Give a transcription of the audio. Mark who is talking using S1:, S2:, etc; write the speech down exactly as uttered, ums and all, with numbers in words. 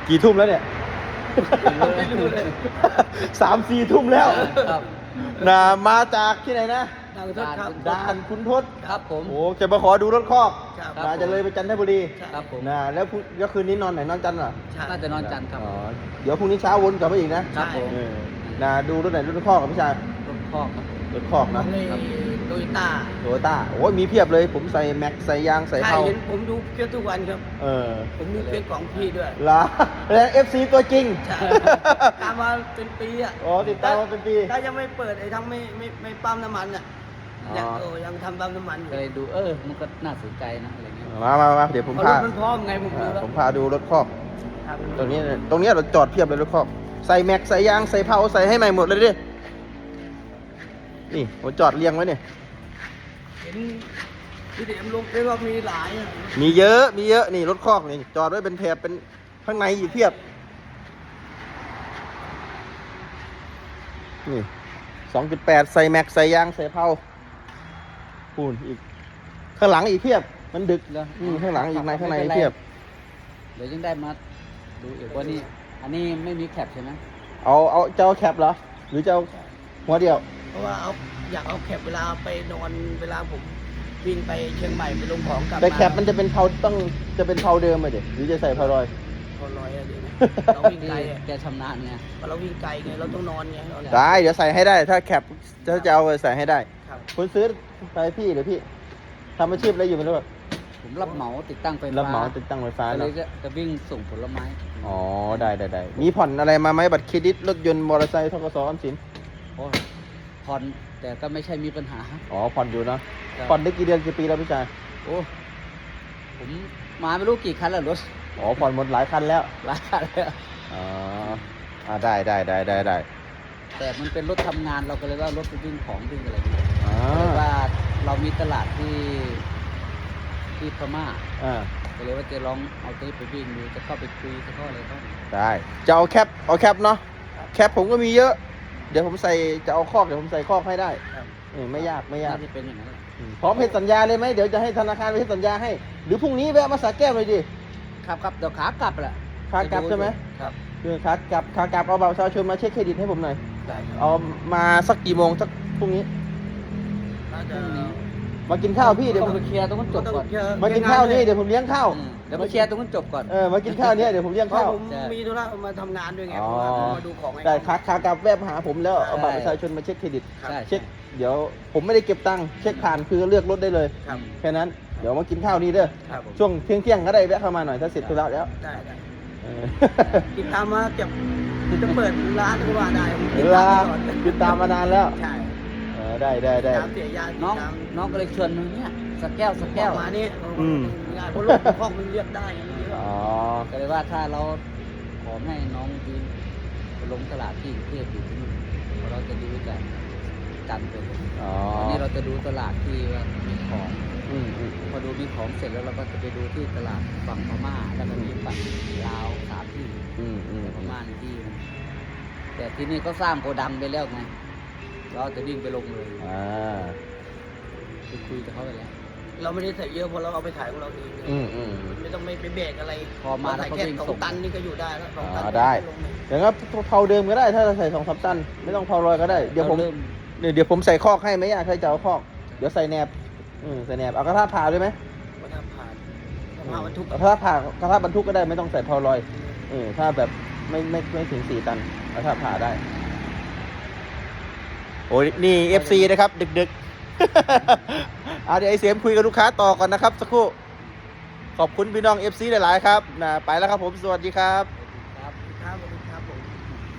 S1: กี่ทุ่มแล้วเนี่ยสามสี่ทุ่มแล้วนะมาจากที่ไหนนะ
S2: ด่านคุณทศครับ
S1: ด่านคุณทศ
S2: ครับผม
S1: โอ้จะมาขอดูรถคอก
S2: ครับ
S1: นะจะเลยไปจันทบุรี
S2: ครับผม
S1: นะแล้วพรุ่งแล้วคืนนี้นอนไหนนอนจันทร์เหรอ
S2: น่าจะนอนจันทร์ครับ
S1: อ๋อเดี๋ยวพรุ่งนี้เช้าวนกลับมาอีกนะครับ
S2: ผม
S1: เออนะดูรถไหนรถคอกกับพี่ชาย
S2: รถคอกครับ
S1: รถคอกนะ
S2: โตโยต้า
S1: โตโยต้าโอ้ยมีเพียบเลยผมใส่แม็กใส่ยางใส่
S2: ใช่
S1: เผา
S2: เห็นผมดูเฟซทุกวันครับ
S1: เออ
S2: ผมดูเฟซของพี่ด้วย
S1: ลาแล้วเอฟซีตัวจริง
S2: ใช่ตามมาเป็นปีอ่ะ
S1: อ๋อติดตามมาเป็นปี
S2: ถ้ายังไม่เปิดไอ้ทั้งไม่ไม่ไม่ปั๊มน้ำมันอ่ะ
S1: อ๋อ
S2: ยังเออยังทำปั๊มน้ำมันอยู่
S3: ก็เลยดูเออ มันก็น่าสนใจนะอะไรเงี้ย
S1: มามามาเดี๋ยวผม
S2: เพราะ
S1: พาร
S2: ถมันพร้อมไงผมดูแล้ว
S1: ผมพาดูรถคอก
S2: ครับ
S1: ตรงนี้ตรงนี้เราจอดเพียบเลยรถคอกใส่แม็กใส่ยางใส่เผาใส่ให้ใหม่หมดเลยดินี่ผมจอดเรียงไว้เนี่ย
S2: เห็นพี่เดมลงเฟซว่ามีหลายอะ
S1: มีเยอะมีเยอะนี่รถคอกนี่จอดไว้เป็นแถบเป็นข้างในอีกเพียบนี่สองจุดแปดใส่แม็กใส่ยางใส่เผาปูนอีกข้างหลังอีกเพียบมันดึก
S3: แล้ว
S1: อืมข้างหลังอีกในข้างในอีกเพียบ
S3: เดี๋ยวยังได้มาดูอีกว่านี่อันนี้ไม่มีแคปใช่ไหม
S1: เอาเอาจะเอาแคปเหรอหรือจะเอาหัวเดียว
S2: เพราะว่าเอาอยากเอาแคปเวลาไปนอนเวลาผมวิ่งไปเชียงใหม่ไปลงของกลับมา
S1: แต่แคปมันจะเป็นเผาต้องจะเป็นเผาเดิมเลยเด็หรือจะใส่เผาลอย
S2: พอลอยอะเดี๋ยวนะเราวิ่ง
S3: ที่
S2: ไกลอะ
S3: แกชำนาญไง
S2: พอเราวิ่งไกลไงเราต้องนอนไงเรา
S1: ได้เดี๋ยวใส่ให้ได้ถ้าแคปถ้าจะเอาใส่ให้ได้
S2: ครับ
S1: คุณซื้อไปพี่หรือพี่ทำอาชีพอะไรอยู่ไม่รู้อะ
S3: ผมรับเหมาติดตั้งไฟฟ้า
S1: รับเหมาติดตั้งไฟฟ้า
S3: ก็เล
S1: เนาะ
S3: ยจะจะวิ่งส่งผลไม้
S1: อ๋อได้ได้ได้มีผ่อนอะไรมาไหมบัตรเครดิตรถยนต์มอเตอร์ไซค์ทกสออมสิน
S3: โอ้ยผ่อนแต่ก็ไม่ใช่มีปัญหา
S1: อ๋อผ่อนอยู่เนาะ
S3: ครับ
S1: ผ่อนได้กี่เดือนกี่ปีแล้วพี่ชาย
S3: โอ้ผมมาไม่รู้กี่คันแล้วรถ
S1: อ๋อผ่อนหมดหลายคันแล้ว
S3: หลายคันแล้ว
S1: อ๋ออ่าได้ได้ได้ได้ได้
S3: แต่มันเป็นรถทำงานเราก็เลยว่ารถไปวิ่งของวิ่งอะไรอย่างเงี้ย
S1: อ่า
S3: ก็เลยว่าเรามีตลาดที่ที่พม่า
S1: อ่า
S3: ก็เลยว่าจะลองเอาตัวนี้ไปวิ่งดูจะเข้าไปคุยจะเข้าอะไรก็
S1: ได้จะเอาแคปเอาแคปเนาะแคปผมก็มีเยอะ เดี๋ยวผมใส่จะเอาคอกเดี๋ยวผมใส่คอกให้ได้
S2: ครับ
S1: เออไม่ยากไม่ยาก
S3: น่าจะเป็นอย่างนั้นแหละ
S1: อืมพร้อมเซ็นสัญญาเลยไหมเดี๋ยวจะให้ธนาคารไปเซ็นสัญญาให้ หรือพรุ่งนี้แวะมาสระแก้วเลยดิ
S3: ครับครับเดี๋ยวขากลับแหละ
S1: ขากลับใช่ไหม
S2: ครับ
S1: คือขากลับขากลับเอาบัตรประชาชนมาเช็คเครดิตให้ผมหน่อย
S2: ได้ครับ
S1: เอามาสักกี่โมงสักพรุ่งนี้
S2: น่าจะ
S1: มากินข้าวพี่เดี๋ยว
S3: ต้
S1: ผ
S3: อง
S1: ม
S3: ไปเคลียร์ตรงนั้นจบก่อน
S1: มากินข้าวนี่เดี๋ยวผมเลี้ยงข้าว
S3: อืมเดี๋ยวมาเคลียร์ตรงนั้นจบก่อน
S1: เออมากินข้าวเนี่ยเดี๋ยวผมเลี้ยง
S2: เพราะ
S1: ข้าว
S2: ผมมีธุระมาทำงานด้วยไง
S1: อ๋อ
S2: เพราะว่าผมมาดูของไง
S1: ได้ขากขากลับแวะมาหาผมแล้วเอาบัตร
S3: ใช่
S1: ประชาชนมาเช็คเครดิต
S3: ใช่
S1: เช็ค
S3: ใช่
S1: เดี๋ยวผมไม่ได้เก็บตังค์เช็คผ่านคือเลือกรถได้เลย
S2: ครับ
S1: แค่นั้นเดี๋ยวมากินข้าวนี่เด้อ
S2: ครับผม
S1: ช่วงเที่ยงเที่ยงๆก็ได้แวะเข้ามาหน่อยถ้าเสร็จธุระแล้ว
S2: ได้ได้
S1: เออ
S2: ติดตามมาเก็บจะเปิดร้านก็ว่าได้ผมติ
S1: เว
S2: ด
S1: ลา
S2: ตามตลอด
S1: ติดตามมานานแล้ว
S2: ใช่
S1: เออได้ได้ได้
S2: ตามเสียยาติด
S3: น้อง
S2: ตาม
S3: น้องก็เลยชวนมาเนี่ยสักแก้วสักแก้ว
S2: มานี่
S1: อืม
S2: งานเพราะรถคอกมันเรียกได้อย่างนี้
S1: อ๋อ
S3: ก็เลยว่าถ้าเราขอให้น้องยืนไปลงตลาดที่กรุงเทพอยู่ที่นู่นเพราะเราจะดูจากจันทร์ไปเลย
S1: อ๋อ
S3: ตอนนี้เราจะดูตลาดที่ว่ามีของ
S1: อืมอืม
S3: พอดูมีของเสร็จแล้วเราก็จะไปดูที่ตลาดฝั่งพม่าแล้วก็มีฝั่งลาวสามที่
S1: อืมอืม
S3: แต่พม่าในที่หนึ่งแต่ที่นี่ก็สร้างโกดังไปแล้วไงเราจะวิ่งไปลงเลย
S1: อ่า
S3: คุยคุยกับเขาไปแล้ว
S2: เราไม่ได้ใส่เยอะเพราะเราเอาไปขายของเราเอง
S1: อืมอืม
S2: ไม่ต้องไม่ไปเบรกอะไร
S3: พอมา
S2: เร
S3: แล้ว
S2: ใส่
S3: ก็
S2: แค่
S3: วิ่ง
S2: สอ
S3: ส่
S2: ง
S3: ง
S2: ตันนี่ก็อยู่ได้แล้วสองตัน
S1: อ๋อได้
S2: ลงเลย
S1: อย่างนั้นเผาเดิมก็ได้ถ้าเราใส่สองสามตันไม่ต้องเผาลอยก็ได้เดี๋ยวผม
S3: ราเริ่ม
S1: เดี๋ยวเดี๋ยวผมใส่คอกให้ไม่ยากใครจะเอาคอกเดี๋ยวใส่แหนบอืมใส่แหนบเอากระทะผ่าด้วยไหม
S2: ก็ทำผ่านผ่านบรรทุก
S1: เอากระทะผ่ากระทะบรรทุกก็ได้ไม่ต้องใส่เผาลอยเออถ้าแบบไม่ไม่ไม่ถึงสี่ตันกระทะผ่าได้โอ้ยนี่เอฟซีนะครับดึกๆ เอาเดี๋ยวไอเสียมคุยกับลูกค้าต่อก่อนนะครับสักครู่ขอบคุณพี่น้องเอฟซีหลายๆครับนะไปแล้วครับผมสวัสดีครับ